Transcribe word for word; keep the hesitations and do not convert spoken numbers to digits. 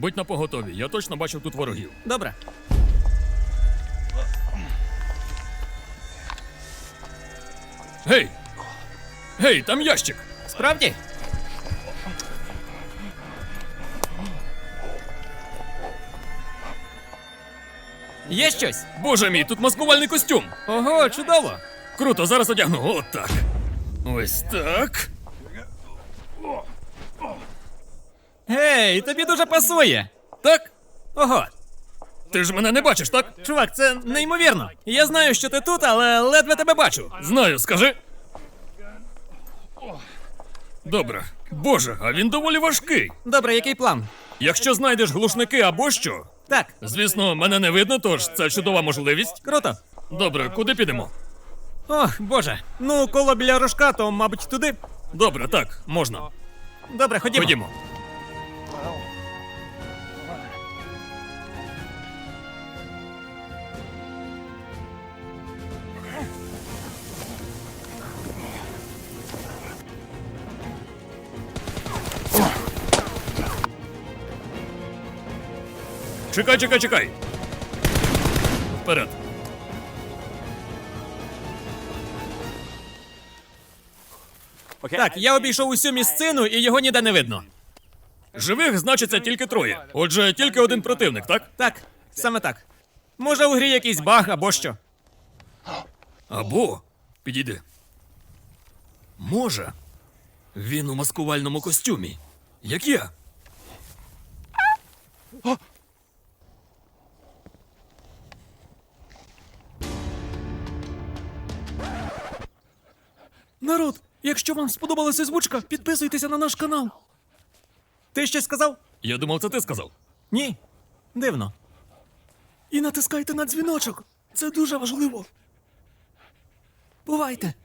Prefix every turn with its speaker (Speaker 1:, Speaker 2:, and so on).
Speaker 1: будь на поготові, я точно бачив тут ворогів.
Speaker 2: Добре.
Speaker 1: Гей! Гей, там ящик!
Speaker 2: Справді? Є щось?
Speaker 1: Боже мій, тут маскувальний костюм!
Speaker 2: Ого, чудово!
Speaker 1: Круто, зараз одягну. От так. Ось так.
Speaker 2: Гей, тобі дуже пасує.
Speaker 1: Так?
Speaker 2: Ого,
Speaker 1: Ти ж мене не бачиш, так?
Speaker 2: чувак, це неймовірно. Я знаю, що ти тут, але ледве тебе бачу.
Speaker 1: Знаю, скажи. Добре. Боже, а він доволі важкий.
Speaker 2: Добре, який план?
Speaker 1: Якщо знайдеш глушники або що,
Speaker 2: Так,
Speaker 1: звісно, мене не видно, тож це чудова можливість.
Speaker 2: круто.
Speaker 1: Добре, куди підемо?
Speaker 2: Ох, боже. Ну, коло біля рожка, то, мабуть, туди.
Speaker 1: Добре, так, можна.
Speaker 2: Добре, ходімо.
Speaker 1: Ходімо. Чекай, чекай, чекай. Вперед.
Speaker 2: Так, я обійшов усю місцину і його ніде не видно.
Speaker 1: Живих значиться тільки троє. Отже, тільки один противник, так?
Speaker 2: Так, саме так. Може, у грі якийсь баг або що.
Speaker 1: Або підійди. Може. Він у маскувальному костюмі. Як я.
Speaker 2: Народ, якщо вам сподобалася озвучка, підписуйтеся на наш канал. Ти щось сказав?
Speaker 1: Я думав, це ти сказав.
Speaker 2: Ні. Дивно. І натискайте на дзвіночок. Це дуже важливо. Бувайте.